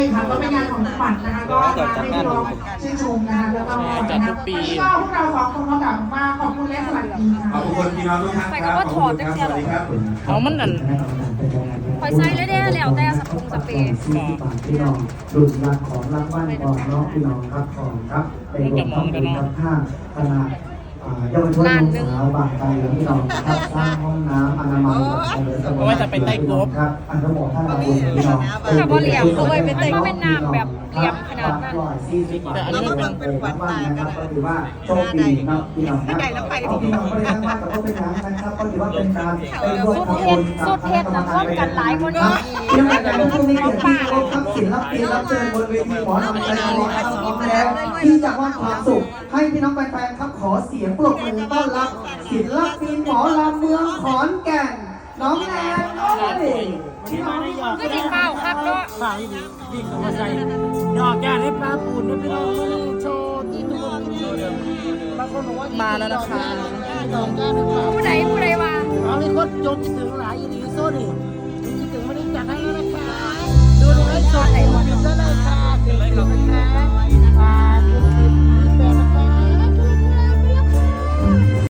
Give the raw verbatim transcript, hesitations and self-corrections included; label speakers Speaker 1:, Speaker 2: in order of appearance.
Speaker 1: ค่ะก็เป็นงานของจังหวัดนะคะก็มาให้พี่น้องชื่นชมนะคะแล้วก็จัดทุกปีวันนี้ก็พวกเราสองคนก็กลับมาขอบคุณและสวัสดีค่ะ
Speaker 2: ขอบคุณพี่น้องทุกท่านครับขอบคุณครับสวัสดีครับ
Speaker 3: เอามันนั่น
Speaker 4: คอยใส่เลยเด้แล้วแต่สปรุงสเปรย์
Speaker 5: สี่สิบบาทพี่น้องรุ่นรักของรางวัลก่อนน้องพี่น้องครับก่อนครับเป็นรวมต้องเป็นครับข้างขนาดเยาวชนสาวบางใจหรือพี่น้องครับสร้างห้องน้ำอนามัยเอาไว้จะไปใต้กบครับอันทั้งหมดท่านเราพี่น้อง
Speaker 4: แต่บ่เหลี่ยมเลยเป็นแต่ก็เป็นน้ำแบบเหลี่ยมขนาดนั้น
Speaker 5: แต่อันนี้มันเป็นวัดตากันก็ถือว่าโชคดีนะพี่น้องนะพี่น้องไม่ได้ทั้งวัดแต่ก็เป็นน้ำนะครับก็ถือว่าเป็นการไปร่วมทำบุญกับคณะกรรมการกันหลายคนนี้ยังไงแต่พวกนี้เกิดที่ร่วมทักศิลปินรับเชิญบนเวทีหมอลำใจร้อนพร้อมแล้วที่จะมอบความสุขให้พี่น้องแฟนๆครับขอเสียงปรบมือต้อนรับศิลปินหมอลำเมืองขอนแก่นน้องแนนโอ้ยพี่น้อง
Speaker 4: ก็ดิเปล่าครับเนาะ
Speaker 3: ฝ่ายดีดีกับมาใส่ดอกยาให้ปลาปูนพี่น้องมาเลยโชว์ที่ทุกคนบางคนบอกว่ามาแล้วนะคะ
Speaker 4: ผู้ใดผู้ใดว่า
Speaker 3: เอาเลยคนจงคิดถึงหลายอีดีโซ่ดิคิดถึงไม่ได้จัดให้แล้วนะคะ